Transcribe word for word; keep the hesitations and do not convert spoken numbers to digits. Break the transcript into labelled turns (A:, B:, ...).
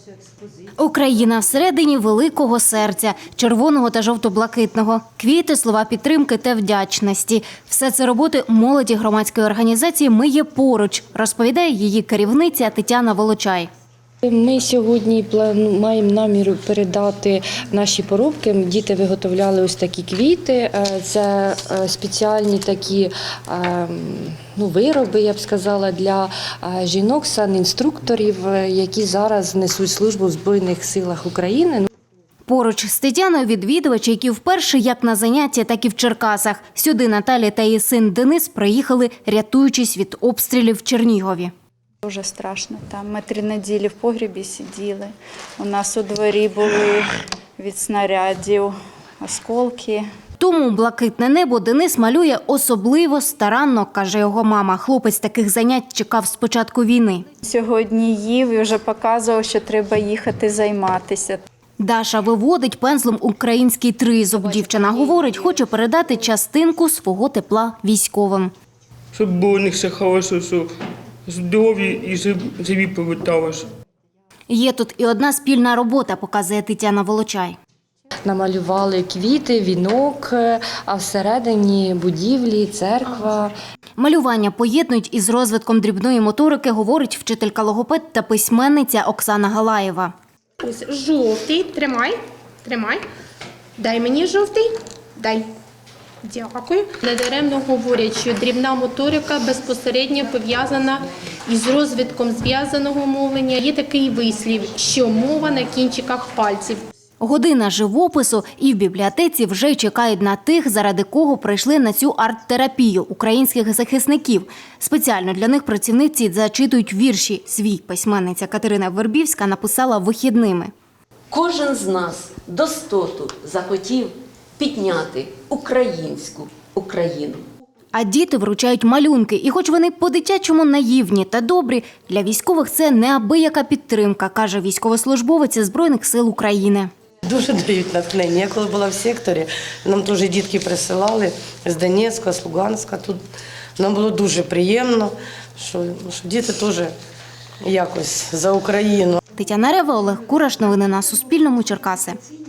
A: Україна всередині великого серця, червоного та жовто-блакитного. Квіти, слова підтримки та вдячності. Все це роботи молоді громадської організації «Ми є поруч», розповідає її керівниця Тетяна Волочай.
B: Ми сьогодні маємо намір передати наші поробки. Діти виготовляли ось такі квіти. Це спеціальні такі ну, вироби, я б сказала, для жінок, санінструкторів, які зараз несуть службу в Збройних силах України.
A: Поруч з Тетяною відвідувачі, які вперше як на заняття, так і в Черкасах. Сюди Наталя та її син Денис приїхали, рятуючись від обстрілів в Чернігові.
C: Дуже страшно. Там ми три неділі в погрібі сиділи. У нас у дворі були від снарядів осколки.
A: Тому блакитне небо Денис малює особливо старанно, каже його мама. Хлопець таких занять чекав з початку війни.
C: Сьогодні їв і вже показував, що треба їхати займатися.
A: Даша виводить пензлем український тризуб. Дівчина говорить, хоче передати частинку свого тепла військовим.
D: Щоб було у них все хорошо, що здорові і живі поверталися.
A: Є тут і одна спільна робота, показує Тетяна Волочай.
B: Намалювали квіти, вінок, а всередині будівлі, церква.
A: Малювання поєднують із розвитком дрібної моторики, говорить вчителька логопед та письменниця Оксана Галаєва.
E: Ось жовтий, тримай, тримай. Дай мені жовтий, дай. Дякую. Недаремно говорять, що дрібна моторика безпосередньо пов'язана із розвитком зв'язаного мовлення. Є такий вислів, що мова на кінчиках пальців.
A: Година живопису, і в бібліотеці вже чекають на тих, заради кого прийшли на цю арт-терапію – українських захисників. Спеціально для них працівниці зачитують вірші. Свій письменниця Катерина Вербівська написала вихідними.
F: Кожен з нас достоту захотів підняти українську Україну.
A: А діти вручають малюнки. І хоч вони по-дитячому наївні та добрі, для військових це неабияка підтримка, каже військовослужбовець Збройних сил України.
G: Дуже дають натхнення. Я коли була в секторі, нам теж дітки присилали з Донецька, з Луганська. Тут нам було дуже приємно, що, що діти теж якось за Україну.
A: Тетяна Рева, Олег Кураш. Новини на Суспільному. Черкаси.